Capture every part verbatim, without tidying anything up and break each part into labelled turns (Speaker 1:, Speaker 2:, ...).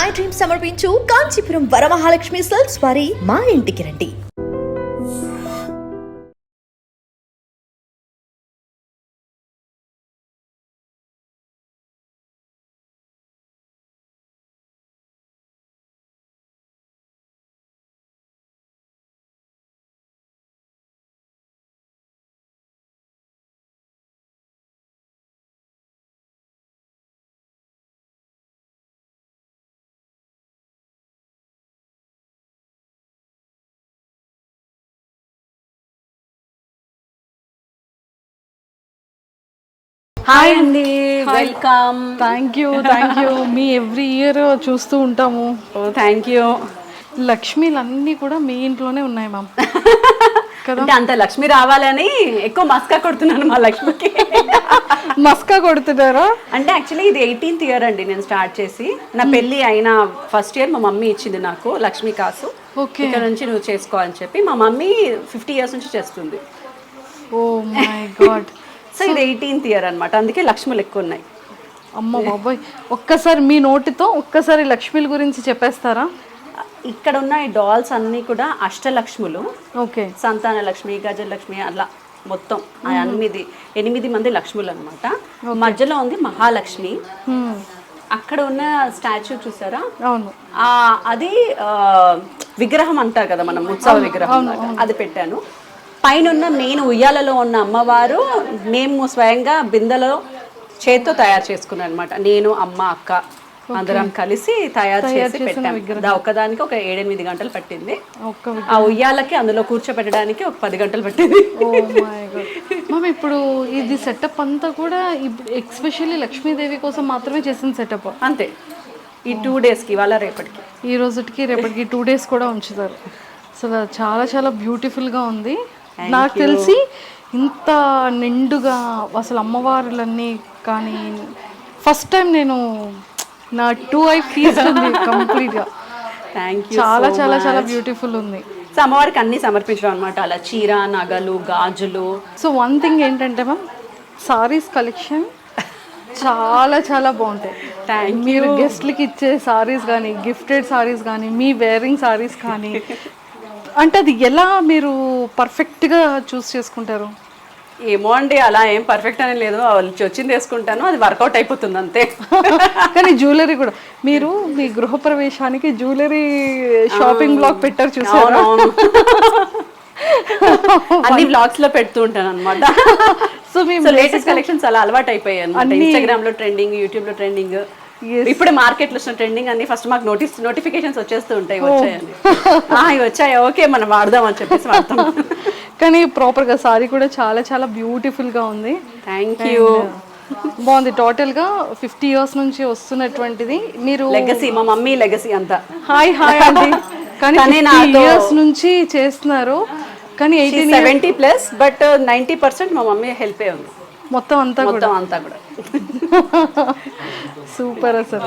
Speaker 1: My dream సమర్పించు Kanchipuram Varamahalakshmi silks వారి మా ఇంటికి రండి.
Speaker 2: హాయ్ అండి, welcome.
Speaker 3: Thank you thank you మీ ఎవ్రీ ఇయర్ చూస్తూ ఉంటాము.
Speaker 2: ఓ థ్యాంక్ యూ.
Speaker 3: లక్ష్మీలు అన్నీ కూడా మీ ఇంట్లోనే ఉన్నాయి మ్యామ్.
Speaker 2: అంటే అంత లక్ష్మి రావాలని ఎక్కువ మస్కా కొడుతున్నాను మా లక్ష్మికి.
Speaker 3: మస్కా కొడుతున్నారా?
Speaker 2: అంటే యాక్చువల్లీ ఇది ఎయిటీన్త్ ఇయర్ అండి నేను స్టార్ట్ చేసి. నా పెళ్ళి అయిన ఫస్ట్ ఇయర్ మా మమ్మీ ఇచ్చింది నాకు లక్ష్మీ కాసు.
Speaker 3: ఓకే,
Speaker 2: ఇక్కడ నుంచి నువ్వు చేసుకో అని చెప్పి మా మమ్మీ ఫిఫ్టీ ఇయర్స్ నుంచి చేస్తుంది.
Speaker 3: Oh my god.
Speaker 2: సో ఇది ఎయిటీన్త్ ఇయర్ అనమాట, అందుకే లక్ష్ములు ఎక్కువ ఉన్నాయి.
Speaker 3: అమ్మ బాబాయ్, ఒక్కసారి మీ నోటితో ఒక్కసారి లక్ష్మీల గురించి చెప్పేస్తారా?
Speaker 2: ఇక్కడ ఉన్న ఈ డాల్స్ అన్నీ కూడా అష్టలక్ష్ములు.
Speaker 3: ఓకే,
Speaker 2: సంతాన లక్ష్మి, గజలక్ష్మి, అలా మొత్తం ఎనిమిది ఎనిమిది మంది లక్ష్ములు అనమాట. మధ్యలో ఉంది మహాలక్ష్మి. అక్కడ ఉన్న స్టాచ్యూ చూసారా?
Speaker 3: అవును,
Speaker 2: అది విగ్రహం అంటారు కదా మనం, ఉత్సవ విగ్రహం, అది పెట్టాను. పైన ఉన్న మెయిన్ ఉయ్యాలలో ఉన్న అమ్మవారు మేము స్వయంగా బిందెలో చేత్తో తయారు చేసుకున్నాను అనమాట. నేను, అమ్మ, అక్క అందరం కలిసి తయారు చేసి పెట్టాము. ఒకదానికి ఒక ఏడెనిమిది గంటలు పట్టింది. ఆ ఉయ్యాలకి అందులో కూర్చోపెట్టడానికి ఒక పది గంటలు పట్టింది.
Speaker 3: మ్యామ్ ఇప్పుడు ఇది సెటప్ అంతా కూడా ఎక్స్పెషల్లీ లక్ష్మీదేవి కోసం మాత్రమే చేసిన సెటప్
Speaker 2: అంతే. ఈ టూ డేస్కి, ఇవాళ రేపటికి,
Speaker 3: ఈ రోజుకి రేపటికి టూ డేస్ కూడా ఉంచుతారు. అసలు చాలా చాలా బ్యూటిఫుల్గా ఉంది. నాకు తెలిసి ఇంత నిండుగా అసలు అమ్మవారులన్నీ కానీ ఫస్ట్ టైం నేను నా టూ ఐ ఫీజ్ ఉంది కంప్లీట్గా.
Speaker 2: Thank you.
Speaker 3: చాలా చాలా చాలా బ్యూటిఫుల్ ఉంది.
Speaker 2: సో అమ్మవారికి అన్ని సమర్పించడం అనమాట, అలా చీర, నగలు, గాజులు.
Speaker 3: సో వన్ థింగ్ ఏంటంటే మ్యామ్, సారీస్ కలెక్షన్ చాలా చాలా బాగుంటాయి. మీరు గెస్ట్లకి ఇచ్చే సారీస్ కానీ, గిఫ్టెడ్ సారీస్ కానీ, మీ వేరింగ్ సారీస్ కానీ, అంటే అది ఎలా మీరు పర్ఫెక్ట్గా చూస్ చేసుకుంటారు?
Speaker 2: ఏమో అండి, అలా ఏం పర్ఫెక్ట్ అని లేదు, వచ్చింది వేసుకుంటాను, అది వర్కౌట్ అయిపోతుంది అంతే.
Speaker 3: కానీ జ్యువెలరీ కూడా మీరు మీ గృహప్రవేశానికి జ్యువెలరీ షాపింగ్ బ్లాగ్ పెట్టారు చూసారా?
Speaker 2: అన్ని బ్లాగ్స్ లో పెడుతూ ఉంటాను అనమాట. సో మేము లేటెస్ట్ కలెక్షన్స్ అలా అలవాటు అయిపోయాయి అనమాట. ఇన్స్టాగ్రామ్ లో ట్రెండింగ్, యూట్యూబ్ లో ట్రెండింగ్, ఇప్పుడే మార్కెట్ లో ట్రెండింగ్ అన్ని ఫస్ట్ మాకు నోటీస్ నోటిఫికేషన్స్ వచ్చేస్తూ ఉంటాయి. వచ్చాయని ఇవి వచ్చాయి, ఓకే మనం వాడదాం అని చెప్పేసి వాడతాం.
Speaker 3: కానీ ప్రాపర్ గా సారీ కూడా చాలా చాలా బ్యూటిఫుల్ గా ఉంది.
Speaker 2: Thank you.
Speaker 3: బాగుంది. టోటల్ గా ఫిఫ్టీ ఇయర్స్ నుంచి వస్తున్నటువంటిది మీరు
Speaker 2: లెగసీ, మా మమ్మీ లెగసీ అంతా.
Speaker 3: హాయ్ హాయ్ అండి. కానీ ఇయర్స్ నుంచి చేస్తున్నారు, కానీ eighteen
Speaker 2: seventy plus, but ninety percent మా మమ్మీ హెల్ప్ ఏ ఉంది
Speaker 3: మొత్తం అంతా
Speaker 2: మొత్తం అంతా కూడా.
Speaker 3: సూపర్ అసలు.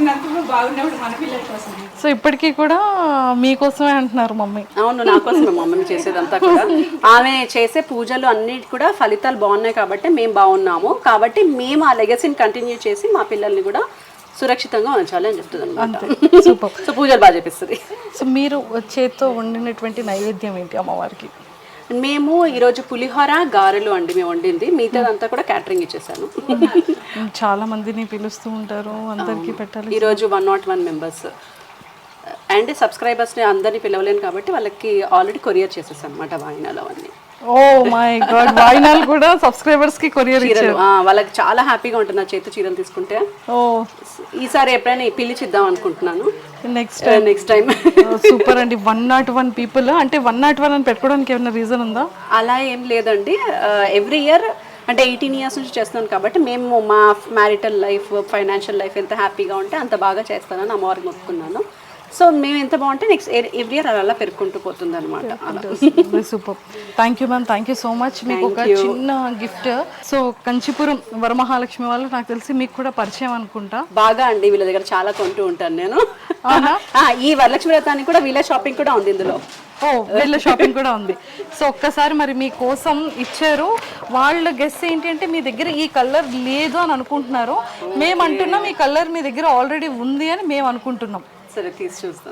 Speaker 3: సో ఇప్పటికీ కూడా మీకోసమే అంటున్నారు మమ్మీ?
Speaker 2: అవును, నా కోసమే మమ్మీ చేసేదంతా కూడా. ఆమె చేసే పూజలు అన్నిటి కూడా ఫలితాలు బాగున్నాయి కాబట్టి మేము బాగున్నాము, కాబట్టి మేము ఆ లెగసీని కంటిన్యూ చేసి మా పిల్లల్ని కూడా సురక్షితంగా ఉంచాలి అని చెప్తుంది అనమాట.
Speaker 3: సూపర్.
Speaker 2: సో పూజలు బాగా చేపిస్తుంది.
Speaker 3: సో మీరు చేత్తో వండినటువంటి నైవేద్యం ఏంటి అమ్మవారికి?
Speaker 2: మేము ఈరోజు పులిహోర, గారెలు అండి మేము వండింది. మిగతాదంతా కూడా క్యాటరింగ్ ఇచ్చేసాను.
Speaker 3: చాలా మందిని పిలుస్తూ ఉంటారు, అందరికీ పెట్టాలి.
Speaker 2: ఈరోజు one nought one members and సబ్స్క్రైబర్స్ని అందరినీ పిలవలేను కాబట్టి వాళ్ళకి ఆల్రెడీ కొరియర్ చేసేసాను అనమాట వాయినాలు అవన్నీ.
Speaker 3: ఓ మై గాడ్, వాయినాలు కూడా సబ్స్క్రైబర్స్ కి కొరియర్ ఇచ్చారు.
Speaker 2: వాళ్ళకి చాలా హ్యాపీగా ఉంటుంది నా చేతి చీరలు తీసుకుంటే.
Speaker 3: ఓ
Speaker 2: ఈసారి ఎప్పుడైనా పిలిచిద్దాం అనుకుంటున్నాను
Speaker 3: నెక్స్ట్
Speaker 2: నెక్స్ట్ టైం.
Speaker 3: సూపర్ అండి. వన్ నాట్ వన్ పీపుల్ అంటే వన్ నాట్ వన్ అని పెట్టుకోవడానికి ఏమైనా రీజన్ ఉందా?
Speaker 2: అలా ఏం లేదండి, ఎవ్రీ ఇయర్ అంటే ఎయిటీన్ ఇయర్స్ నుంచి చేస్తున్నాను కాబట్టి మేము మా మ్యారిటల్ లైఫ్, ఫైనాన్షియల్ లైఫ్ ఎంత హ్యాపీగా ఉంటే అంత బాగా చేస్తానని అమ్మవారికి మొక్కుకున్నాను. సో మేము ఎంత బాగుంటే నెక్స్ట్ ఎవ్రీ ఇయర్ అలా పెరుగుకుంటూ పోతుంది అనమాట.
Speaker 3: Super. Thank you ma'am, thank you so much. మీకు ఒక చిన్న గిఫ్ట్. సో కంచిపురం వరమహాలక్ష్మి వాళ్ళు నాకు తెలిసి మీకు కూడా పరిచయం అనుకుంటా.
Speaker 2: బాగా అండి, వీళ్ళ దగ్గర చాలా కొంటూ ఉంటాను నేను. ఈ వరలక్ష్మి వ్రతానికి కూడా వీళ్ళ షాపింగ్ కూడా ఉంది ఇందులో.
Speaker 3: ఓ వీళ్ళ షాపింగ్ కూడా ఉంది. సో ఒక్కసారి మరి మీకోసం ఇచ్చారు. వాళ్ళ గెస్ ఏంటి అంటే మీ దగ్గర ఈ కలర్ లేదు అని అనుకుంటున్నారు. మేము అంటున్నాం ఈ కలర్ మీ దగ్గర ఆల్రెడీ ఉంది అని మేము అనుకుంటున్నాం.
Speaker 2: సరే తీసి చూస్తాం.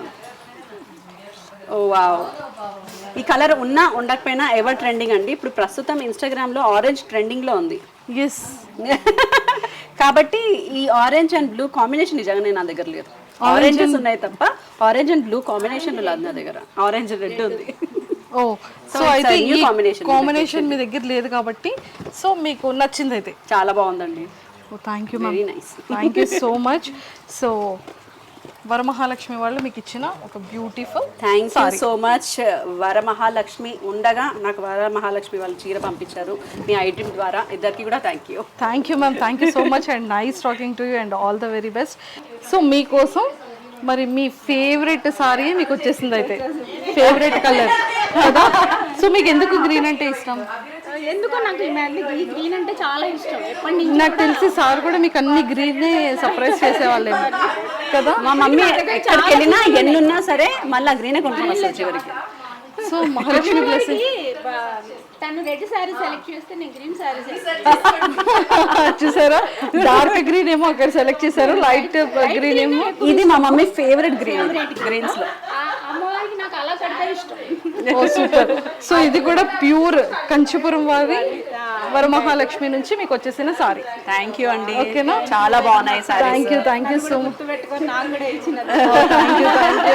Speaker 2: ఓ వావ్, ఈ కలర్ ఉన్నా ఉండకపోయినా ఎవర్ ట్రెండింగ్ అండి. ఇప్పుడు ప్రస్తుతం ఇన్స్టాగ్రామ్లో ఆరెంజ్ ట్రెండింగ్లో ఉంది.
Speaker 3: ఎస్.
Speaker 2: కాబట్టి ఈ ఆరెంజ్ అండ్ బ్లూ కాంబినేషన్ నిజంగానే నా దగ్గర లేదు. ఆరెంజెస్ ఉన్నాయి తప్ప ఆరెంజ్ అండ్ బ్లూ కాంబినేషన్ లేదు నా దగ్గర. ఆరెంజ్ రెడ్ ఉంది.
Speaker 3: ఓ సో అయితే ఈ
Speaker 2: కాంబినేషన్
Speaker 3: కాంబినేషన్ మీ దగ్గర లేదు కాబట్టి సో మీకు నచ్చింది అయితే.
Speaker 2: చాలా బాగుందండి.
Speaker 3: Oh thank you
Speaker 2: very
Speaker 3: ma'am,
Speaker 2: nice.
Speaker 3: Thank you so much. So Varamahalakshmi వాళ్ళు మీకు ఇచ్చిన ఒక beautiful
Speaker 2: thank you so much. Varamahalakshmi ఉండగా నాకు వరమహాలక్ష్మి వాళ్ళు చీర పంపించారు మీ ఐటమ్ ద్వారా. ఇద్దరికి కూడా thank you.
Speaker 3: Thank you ma'am, thank you so much and nice talking to you and all the very best. So మీకోసం మరి మీ ఫేవరెట్ సారీ మీకు వచ్చేసింది అయితే, ఫేవరెట్ కలర్ కదా. సో మీకు ఎందుకు గ్రీన్ అంటే ఇష్టం?
Speaker 4: ఎందుకో నాకు ఈ మళ్ళీ ఈ గ్రీన్ అంటే చాలా ఇష్టం. ఎప్పటి నుంచి
Speaker 3: నాకు తెలిసి సార్ కూడా మీకు అన్ని గ్రీనే సర్ప్రైజ్ చేసేవాళ్ళేమో కదా.
Speaker 2: మా మమ్మీ ఎక్కడికి వెళ్ళినా ఎన్నున్నా సరే మళ్ళీ గ్రీనే కొనుక్కొని వస్తారు చివరికి.
Speaker 3: So Mahalakshmi blessing.
Speaker 4: తను రెడ్ సారీ సెలెక్ట్ చేస్తే నేను గ్రీన్ సారీ
Speaker 3: చూసారా, డార్క్ గ్రీన్ ఏమో అక్కడ సెలెక్ట్ చేశారు, లైట్ గ్రీన్ ఏమో.
Speaker 2: ఇది మా మమ్మీ ఫేవరెట్ గ్రీన్ గ్రీన్స్ లో.
Speaker 4: అమ్మవారికి నాకు అలా కడితే ఇష్టం.
Speaker 3: ఓ సూపర్. సో ఇది కూడా ప్యూర్ కంచిపురం వారి వరమహాలక్ష్మి నుంచి మీకు వచ్చేసిన సారీ.
Speaker 2: థ్యాంక్ యూ అండి.
Speaker 3: ఓకేనా,
Speaker 2: చాలా బాగున్నాయి sari.
Speaker 3: Thank you, thank you so much.
Speaker 4: పెట్టుకొని నాకు కూడా ఇచ్చిన
Speaker 3: thank you, thank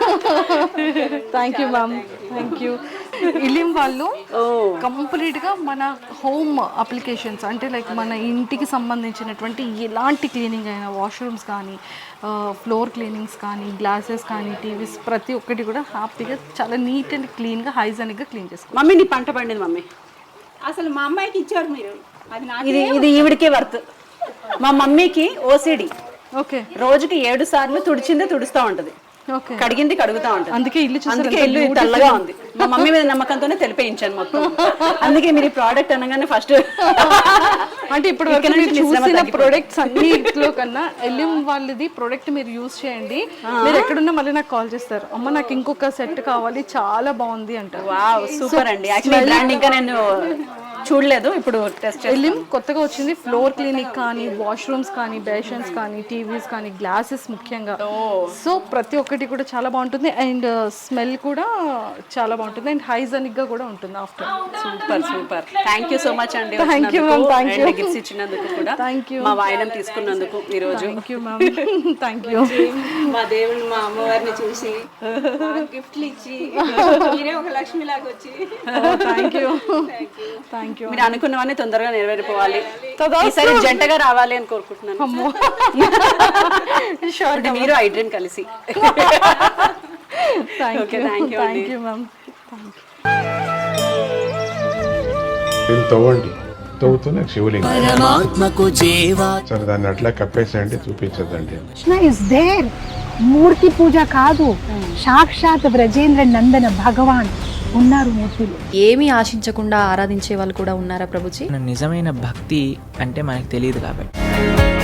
Speaker 3: you, thank you ma'am, thank you. ఇలిం వాళ్ళు కంప్లీట్ గా మన హోమ్ అప్లికేషన్స్ అంటే లైక్ మన ఇంటికి సంబంధించినటువంటి ఎలాంటి క్లీనింగ్ అయినా, వాష్రూమ్స్ కానీ, ఫ్లోర్ క్లీనింగ్స్ కానీ, గ్లాసెస్ కానీ, టీవీస్ ప్రతి ఒక్కటి కూడా హ్యాపీగా చాలా నీట్ అండ్ క్లీన్గా హైజానిక్గా క్లీన్ చేసుకోవాలి.
Speaker 2: మమ్మీ నీ పంట పండింది మమ్మీ.
Speaker 4: అసలు మా అమ్మాయికి ఇచ్చారు మీరు. అది నాకు
Speaker 2: ఇది ఇది ఈవిడికే వర్త్. మా మమ్మీకి ఓసిడి.
Speaker 3: ఓకే.
Speaker 2: రోజుకి ఏడు సార్లు తుడిచిందే తుడుస్తూ ఉంటది,
Speaker 3: ఓకే,
Speaker 2: కడిగింది కడుగుతా ఉంటది.
Speaker 3: అందుకే ఇల్లు చూసారు,
Speaker 2: అందుకే ఇల్లు తెల్లగా ఉంది. మా మమ్మీ మీద నమ్మకంతోనే తెలిపేయించాను మొత్తం. అందుకే మీరు ఈ ప్రోడక్ట్ అనగానే ఫస్ట్
Speaker 3: అంటే ఇప్పుడు వరకు మీరు చూసిన ప్రొడక్ట్స్ అన్నిట్లో కన్నా ఎలిం వాళ్ళది ప్రొడక్ట్ మీరు యూజ్ చేయండి. మీరు ఎక్కడున్నా మళ్ళీ నాకు కాల్ చేస్తారు, అమ్మ నాకు ఇంకొక సెట్ కావాలి చాలా బాగుంది అంటారు.
Speaker 2: వావ్ సూపర్ అండి. యాక్చువల్లీ బ్రాండ్ ఇంకా నేను చూడలేదు, ఇప్పుడు టెస్ట్ చేసి.
Speaker 3: ఎలిం కొత్తగా వచ్చింది. ఫ్లోర్ క్లీనిక్ కానీ, వాష్రూమ్స్ కానీ, బేషన్స్ కానీ, టీవీస్ కానీ, గ్లాసెస్ ముఖ్యంగా. సో ప్రతి ఒక్కటి కూడా చాలా బాగుంటుంది అండ్ స్మెల్ కూడా చాలా బాగుంటుంది అండ్ హైజానిక్ గా కూడా ఉంటుంది. After
Speaker 2: super super. Thank you so much అండి.
Speaker 3: Thank you ma'am, thank you.
Speaker 2: Gifts ఇచ్చినందుకు కూడా
Speaker 3: థ్యాంక్ యూ.
Speaker 2: మా వాయినం తీసుకున్నందుకు ఈ రోజు
Speaker 3: thank you ma'am, thank you.
Speaker 4: మా దేవుడు మా అమ్మవారిని చూసి గిఫ్ట్లు ఇచ్చి మీరే ఒక లక్ష్మి లాగా వచ్చి
Speaker 3: థ్యాంక్ యూ, థ్యాంక్ యూ.
Speaker 2: మీరు అనుకున్నవన్నీ తొందరగా నెరవేరిపోవాలి,
Speaker 3: తదా
Speaker 2: ఈసారి జంటగా రావాలి అని కోరుకుంటున్నాను.
Speaker 3: అమ్మో షూర్,
Speaker 2: అంటే మీరు ఐడ్రీన్ కలిసి.
Speaker 3: Thank you,
Speaker 2: thank you
Speaker 3: thank you ma'am, thank you.
Speaker 5: దీన్ని తవ్వండి, తవ్వుతూనే శివలింగం.
Speaker 6: పరమాత్మకు జీవా
Speaker 5: సరే దాన్ని అట్లా కప్పేసేయండి, చూపించదండి.
Speaker 7: Krishna is there. మూర్తి పూజ కాదు, సాక్షాత్ బ్రజేంద్ర నందన భగవాన్ ఉన్నారు మూర్తిలో.
Speaker 8: ఏమీ ఆశించకుండా ఆరాధించే వాళ్ళు కూడా ఉన్నారా ప్రభుజీ?
Speaker 6: నిజమైన భక్తి అంటే మనకు తెలియదు కాబట్టి